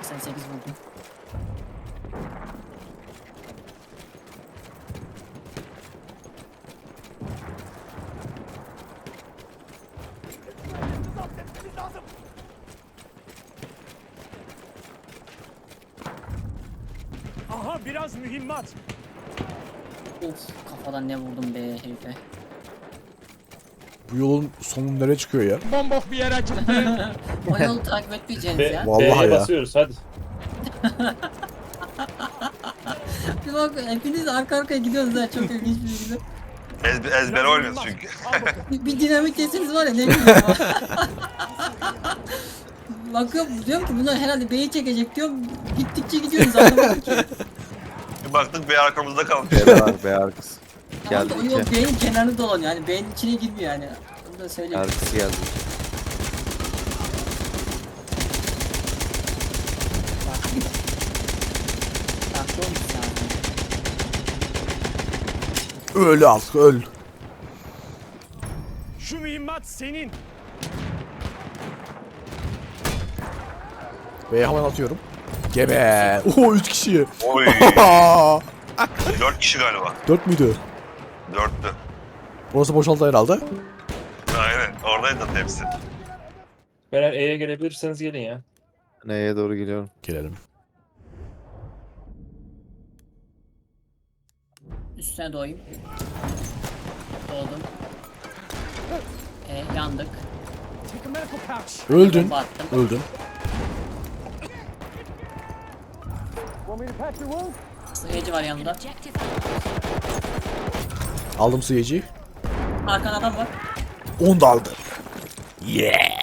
88 vurdum. Aha biraz mühimmat. Of, kafadan ne vurdum be herife. Bu yolun sonu nereye çıkıyor ya? Bombok bir yere çıktı. O yolu takip etmeyeceğiniz ya. Vallahi B'ye ya. basıyoruz hadi. Bir bak, hepiniz arka arkaya gidiyorsunuz ha, çok ilginç bir şekilde. Ezber oynuyoruz çünkü. Al bakalım. Bir dinamik deseniz var ya, ne bileyim ya. Bakıyorum, diyorum ki bunlar herhalde B'yi çekecek diyorum. Gittikçe gidiyoruz, anlamadım ki. Bir baktık bir arkamızda kalmış. B var, B arkası. Tamam Geldi da o yol iki. B'nin kenarını dolanıyor, yani B'nin içine girmiyor yani. Bunu da söyleyeyim. Arkası geldi. Farklı olmuş zaten. Öl artık öl. Şu mühimmat senin. B'ye hemen atıyorum. Gebe. Oho 3 kişi. Oy. 4 kişi galiba. 4 müydü? 4'tü. Burası boşaldı herhalde. Aynen. Oradaydı hepsi. Beyler E'ye gelebilirseniz gelin ya. Neye doğru geliyorum. Gelelim. Üstüne doğayım. Doğdum. Yandık. Take a medical pouch. Öldün. Bomba attım. Öldün. Want me to patch your wound? Sıyıcı var yanında. Aldım sıyıcıyı. Arkada adam var. 10 da aldı. Yeah.